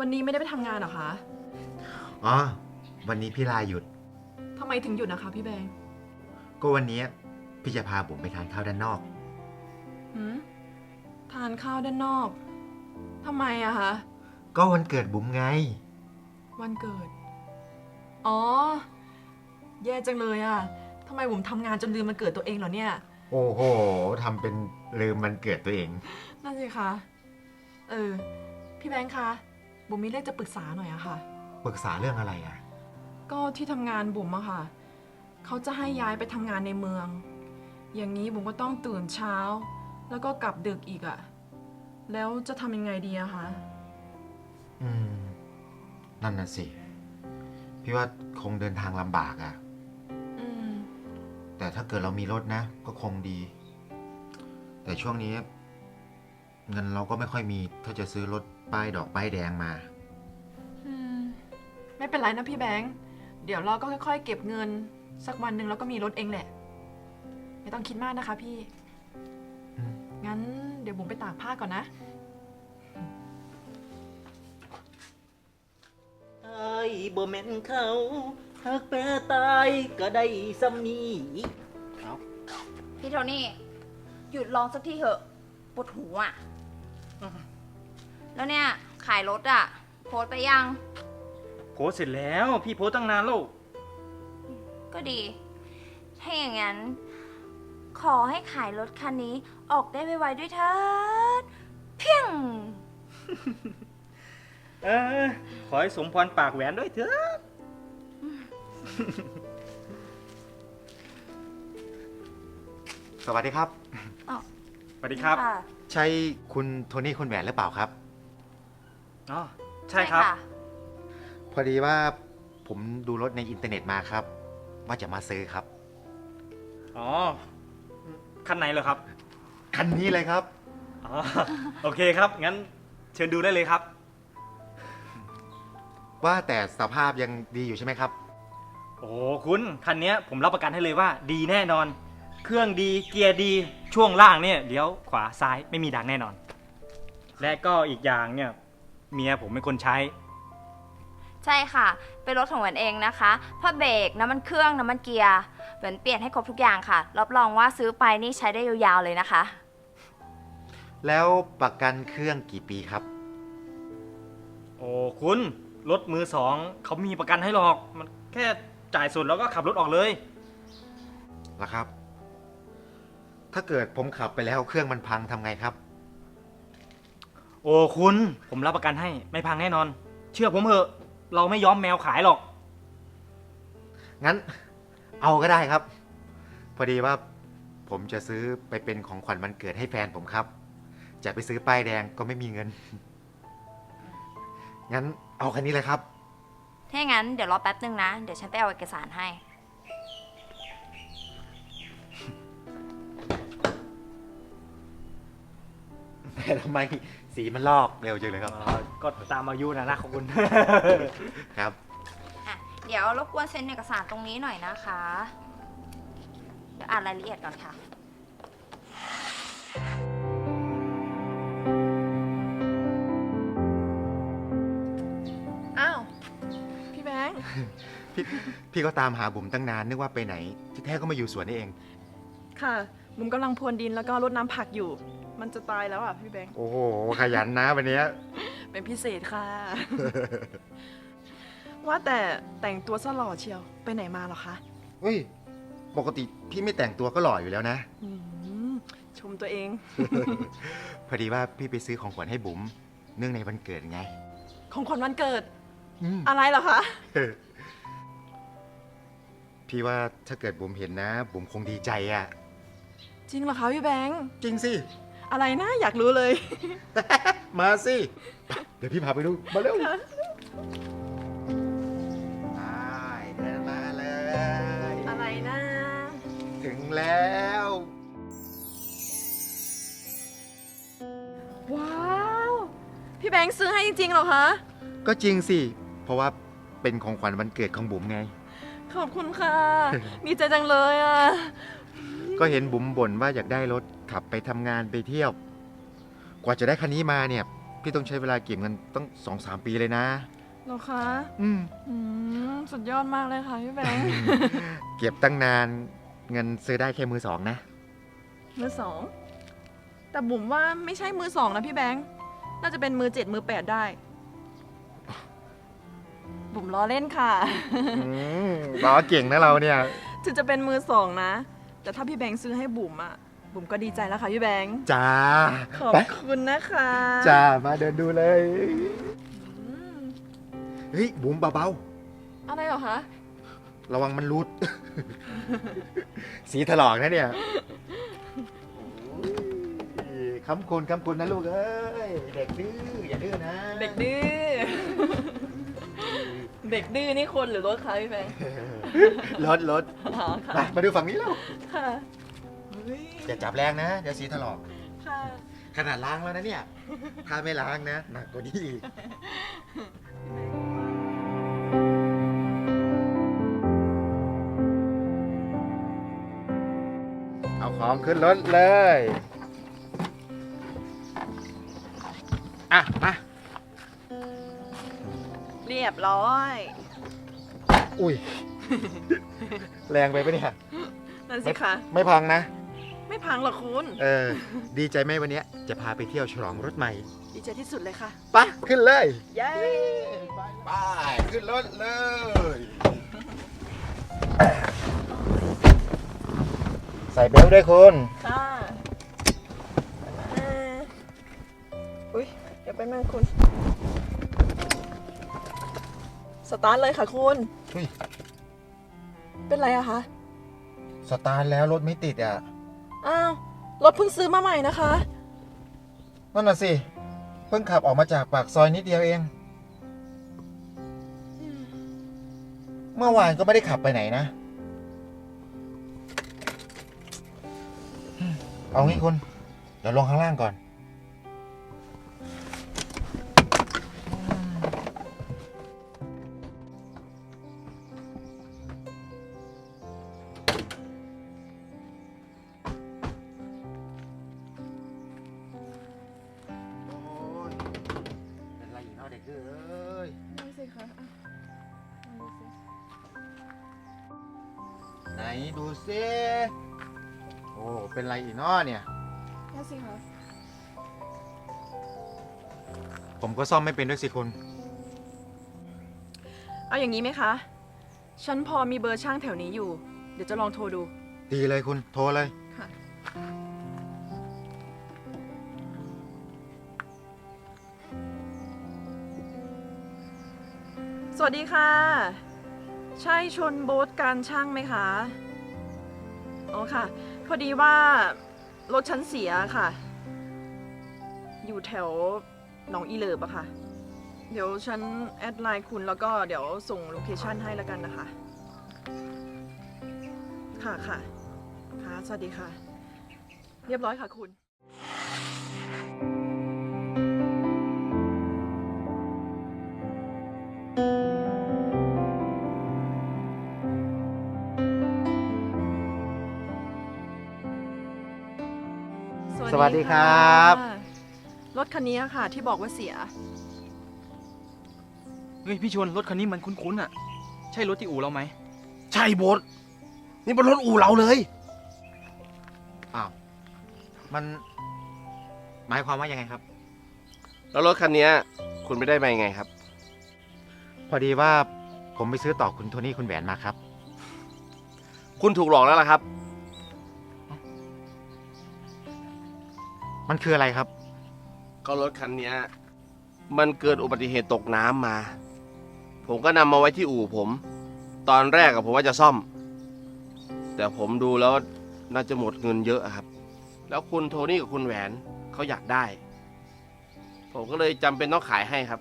วันนี้ไม่ได้ไปทำงานเหรอคะอ๋อ วันนี้พี่ลาหยุดทำไมถึงหยุดนะคะพี่แบงค์ก็วันนี้พี่จะพาบุ๋มไปทานข้าวด้านนอกหืมทานข้าวด้านนอกทำไมอะคะก็วันเกิดบุ๋มไงวันเกิด อ๋อ แย่จังเลยอะทำไมผมทำงานจนลืมวันเกิดตัวเองเหรอเนี่ยโอ้โหทำเป็นลืมวันเกิดตัวเองนั่นสิคะ พี่แบงค์คะ บุ๋มมีเรื่องจะปรึกษาหน่อยอะค่ะปรึกษาเรื่องอะไรอ่ะก็ที่ทำงานบุ๋มอะค่ะ เขาจะให้ย้ายไปทำงานในเมือง อย่างนี้บุ๋มก็ต้องตื่นเช้า แล้วก็กลับดึกอีกอะแล้วจะทำยังไงดีอะคะอืม นั่นน่ะสิ พี่ว่าคงเดินทางลำบากอ่ะอืมแต่ถ้าเกิดเรามีรถนะ ก็คงดี แต่ช่วงนี้ เงินเราก็ไม่ค่อยมี ถ้าจะซื้อรถป้ายดอกป้ายแดงมาไม่เป็นไรนะพี่แบงค์ เดี๋ยวเราก็ค่อยๆเก็บเงิน สักวันหนึ่งเราก็มีรถเองแหละ ไม่ต้องคิดมากนะคะพี่อืมงั้นเดี๋ยวบุ๋มไปตากผ้าก่อนนะไอ้บ่แม่นเขาหักแปรตายก็ได้ซ้ำนี้เอาพี่โทนี่ หยุดร้องสักทีเถอะปวดหูอ่ะ แล้วเนี่ย ขายรถอ่ะ โพสต์ไปยังโพสต์เสร็จแล้วพี่โพสต์ตั้งนานแล้วก็ดี ถ้าอย่างนั้น ขอให้ขายรถคันนี้ออกได้ไวๆด้วยเถิดเพียงเออ ขอให้สมพรปากแหวนด้วยเถอะสวัสดีครับสวัสดีครับค่ะใช่คุณโทนี่คุณแหวนหรือเปล่าครับอ๋อ ใช่ครับะพอดีว่าผมดูรถในอินเทอร์เน็ตมาครับ ว่าจะมาซื้อครับอ๋อ คันไหนเหรอครับคันนี้เลยครับอ๋อ โอเคครับ งั้นเชิญดูได้เลยครับว่าแต่สภาพยังดีอยู่ใช่ไหมครับโอ้คุณคันเนี้ยผมรับประกันให้เลยว่าดีแน่นอน เครื่องดี เกียร์ดี ช่วงล่างเนี่ยเลี้ยวขวาซ้ายไม่มีดังแน่นอน และก็อีกอย่างเนี่ย เมียผมเป็นคนใช้ใช่ค่ะ เป็นรถของแหวนเองนะคะผ้าเบรกน้ำมันเครื่องน้ำมันเกียร์แหวนเปลี่ยนให้ครบทุกอย่างค่ะ รับรองว่าซื้อไปนี่ใช้ได้ยาวๆเลยนะคะแล้วประกันเครื่องกี่ปีครับโอ้คุณรถมือสองเขามีประกันให้หรอก มันแค่จ่ายส่วนแล้วก็ขับรถออกเลยล่ะครับ ถ้าเกิดผมขับไปแล้วเครื่องมันพังทำไงครับโอ้คุณผมรับประกันให้ไม่พังแน่นอน เชื่อผมเถอะ เราไม่ย้อมแมวขายหรอกงั้นเอาก็ได้ครับ พอดีว่าผมจะซื้อไปเป็นของขวัญวันเกิดให้แฟนผมครับ จะไปซื้อป้ายแดงก็ไม่มีเงิน งั้นเอาคันนี้เลยครับถ้าอย่างนั้นเดี๋ยวรอแป๊บนึงนะ เดี๋ยวฉันไปเอาเอกสารให้แต่ทำไมสีมันลอกเร็วจังเลยครับก็ตามอายุนะของคุณครับอ่ะ เดี๋ยวรบกวนเซ็นเอกสารตรงนี้หน่อยนะคะ เดี๋ยวอ่านรายละเอียดก่อนค่ะอ้าว พี่แบงค์พี่ก็ตามหาบุ๋มตั้งนานนึกว่าไปไหน ที่แท้ก็มาอยู่สวนนี่เองค่ะ บุ๋มกำลังพรวนดินแล้วก็รดน้ำผักอยู่ มันจะตายแล้วอ่ะพี่แบงค์โอ้โห ขยันนะวันเนี้ยเป็นพิเศษค่ะ ว่าแต่แต่งตัวซะหล่อเชียว ไปไหนมาเหรอคะเฮ้ย ปกติพี่ไม่แต่งตัวก็หล่ออยู่แล้วนะอืมชมตัวเองพอดีว่าพี่ไปซื้อของขวัญให้บุ๋มเนื่องในวันเกิดไงของขวัญวันเกิดอืมอะไรเหรอคะพี่ว่าถ้าเกิดบุ๋มเห็นนะ บุ๋มคงดีใจอะจริงเหรอคะพี่แบงค์จริงสิอะไรนะอยากรู้เลยมาสิ เดี๋ยวพี่พาไปดู มาเร็วได้เดินมาเลยอะไรนะถึงแล้วว้าว พี่แบงค์ซื้อให้จริงๆเหรอคะก็จริงสิ เพราะว่าเป็นของขวัญวันเกิดของบุ๋มไงขอบคุณค่ะ ดีใจจังเลยอ่ะก็เห็นบุ๋มบ่นว่าอยากได้รถขับไปทำงานไปเที่ยว กว่าจะได้คันนี้มาเนี่ย พี่พี่ต้องใช้เวลาเก็บเงินตั้ง2-3 ปีเลยนะเหรอคะอืมสุดยอดมากเลยค่ะพี่แบงค์เก็บตั้งนานเงินซื้อได้แค่มือสองนะมือสอง แต่บุ๋มว่าไม่ใช่มือสองนะพี่แบงค์ น่าจะเป็นมือ7มือ8ได้ บุ๋มล้อเล่นค่ะล้อเก่งนะเราเนี่ยถึงจะเป็นมือสองนะ แต่ถ้าพี่แบงค์ซื้อให้บุ๋มอะบุ๋มก็ดีใจแล้วค่ะพี่แบงค์จ้าขอบไปคุณนะคะจ้า มาเดินดูเลยอืมเฮ้ย บุ๋มเบาอะไรเหรอคะๆ ระวังมันรุด สีถลอกนะเนี่ยโอ้ยคำคุณนะลูกเอ้ย เด็กดื้อ อย่าดื้อนะเด็กดื้อ เด็กดื้อนี่คนหรือรถคะพี่แบงค์รถอ๋อค่ะมาดูฝั่งนี้แล้วค่ะเฮ้ยอย่าจับแรงนะ เดี๋ยวสีถลอกค่ะขนาดล้างแล้วนะเนี่ย ถ้าไม่ล้างนะ หนักกว่านี้อีก เอาของขึ้นรถเลย อ่ะ มาเรียบร้อยอุ้ย แรงไปปะเนี่ยนั่นสิคะไม่พังนะไม่พังหรอกคุณดีใจไหมวันเนี้ยจะพาไปเที่ยวฉลองรถใหม่ดีใจที่สุดเลยค่ะไปขึ้นเลยเย้ไป ขึ้นรถเลย ใส่เบลต์ด้วยคุณค่ะอุ้ยเดี๋ยวไปมั่งคุณ สตาร์ทเลยค่ะคุณอุ้ยเป็นไรอะคะสตาร์ทแล้วรถไม่ติดอ่ะอ้าว รถเพิ่งซื้อมาใหม่นะคะนั่นน่ะสิ เพิ่งขับออกมาจากปากซอยนิดเดียวเอง เมื่อวานก็ไม่ได้ขับไปไหนนะ เอางี้คุณ เดี๋ยวลงข้างล่างก่อน โอ้ยเป็นไรอีกเนาะเด็กเอ้ยนั่นสิคะไหนดูซิโอ้ เป็นไรอีกเนาะเนี่ยนั่นสิคะผมก็ซ่อมไม่เป็นด้วยสิคุณเอาอย่างนี้ไหมคะ ฉันพอมีเบอร์ช่างแถวนี้อยู่ เดี๋ยวจะลองโทรดูดีเลยคุณ โทรเลยค่ะ สวัสดีค่ะ ใช่ชนโบ๊ทการช่างไหมคะ อ๋อค่ะ พอดีว่ารถฉันเสียค่ะ อยู่แถวหนองอีเลิบอะค่ะ เดี๋ยวฉันแอดไลน์คุณแล้วก็เดี๋ยวส่งโลเคชั่นให้แล้วกันนะคะ ค่ะค่ะค่ะ สวัสดีค่ะ เรียบร้อยค่ะคุณสวัสดีครับรถคันนี้ค่ะ ที่บอกว่าเสียเฮ้ยพี่ชวนรถคันนี้มันคุ้นๆอ่ะ ใช่รถที่อู่เราไหมใช่โบทนี่เป็นรถอู่เราเลยอ้าว มัน หมายความว่ายังไงครับแล้วรถคันนี้คุณไปได้มายังไงครับพอดีว่าผมไปซื้อต่อคุณโทนี่คุณแหวนมาครับคุณถูกหลอกแล้วล่ะครับมันคืออะไรครับก็รถคันนี้มันเกิดอุบัติเหตุตกน้ำมา ผมก็นำมาไว้ที่อู่ผม ตอนแรกผมว่าจะซ่อม แต่ผมดูแล้วน่าจะหมดเงินเยอะอะครับ แล้วคุณโทนี่กับคุณแหวนเขาอยากได้ ผมก็เลยจำเป็นต้องขายให้ครับ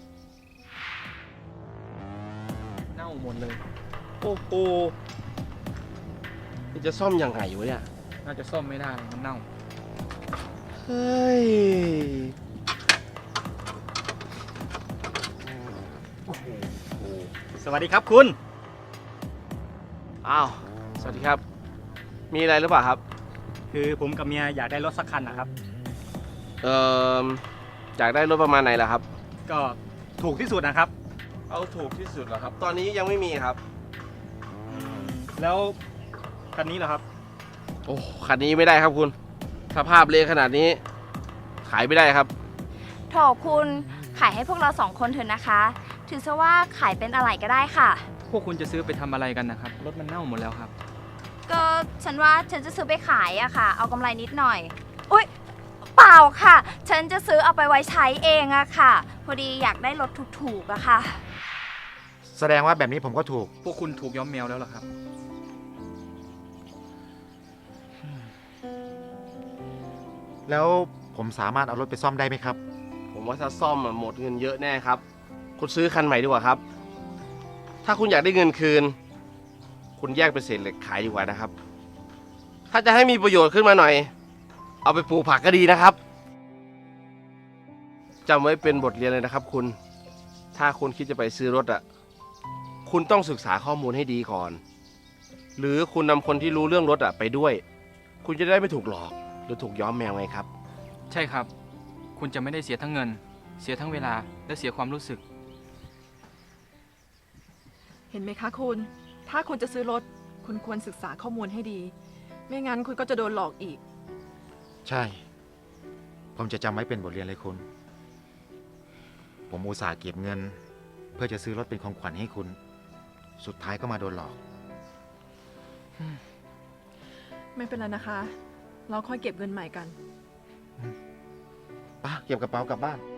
เน่าหมดเลยโอ้โหนี่จะซ่อมยังไงวะเนี่ยน่าจะซ่อมไม่ได้มันเน่าเฮ้ยสวัสดีครับคุณอ้าว สวัสดีครับ มีอะไรหรือเปล่าครับคือผมกับเมียอยากได้รถสักคันนะครับเอ่ออยากได้รถประมาณไหนล่ะครับก็ถูกที่สุดนะครับเอาถูกที่สุดเหรอครับ ตอนนี้ยังไม่มีครับแล้วคันนี้เหรอครับโอ้คันนี้ไม่ได้ครับคุณ สภาพเละขนาดนี้ ขายไม่ได้ครับโถคุณขายให้พวกเรา2 คนเถอะนะคะ ถือซะว่าขายเป็นอะไรก็ได้ค่ะพวกคุณจะซื้อไปทำอะไรกันนะครับ รถมันเน่าหมดแล้วครับก็ฉันว่าฉันจะซื้อไปขายอะค่ะ เอากำไรนิดหน่อย อุ๊ย เปล่าค่ะ ฉันจะซื้อเอาไปไว้ใช้เองอะค่ะ พอดีอยากได้รถถูกๆอะค่ะแสดงว่าแบบนี้ผมก็ถูกพวกคุณถูกย้อมแมวแล้วเหรอครับแล้วผมสามารถเอารถไปซ่อมได้ไหมครับผมว่าถ้าซ่อมหมดเงินเยอะแน่ครับ คุณซื้อคันใหม่ดีกว่าครับ ถ้าคุณอยากได้เงินคืน คุณแยกเป็นเศษเหล็กขายดีกว่านะครับ ถ้าจะให้มีประโยชน์ขึ้นมาหน่อย เอาไปปลูกผักก็ดีนะครับจำไว้เป็นบทเรียนเลยนะครับ คุณ ถ้าคุณคิดจะไปซื้อรถอ่ะ คุณต้องศึกษาข้อมูลให้ดีก่อน หรือคุณนำคนที่รู้เรื่องรถอ่ะไปด้วย คุณจะได้ไม่ถูกหลอกหรือถูกย้อมแมวไงครับใช่ครับ คุณจะไม่ได้เสียทั้งเงิน เสียทั้งเวลา และเสียความรู้สึกเห็นไหมคะคุณ ถ้าคุณจะซื้อรถ คุณควรศึกษาข้อมูลให้ดี ไม่งั้นคุณก็จะโดนหลอกอีกใช่ ผมจะจำไว้เป็นบทเรียนเลยคุณ ผมอุตส่าห์เก็บเงิน เพื่อจะซื้อรถเป็นของขวัญให้คุณ สุดท้ายก็มาโดนหลอกไม่เป็นไรนะคะ เราค่อยเก็บเงินใหม่กันไปเก็บกระเป๋ากลับบ้าน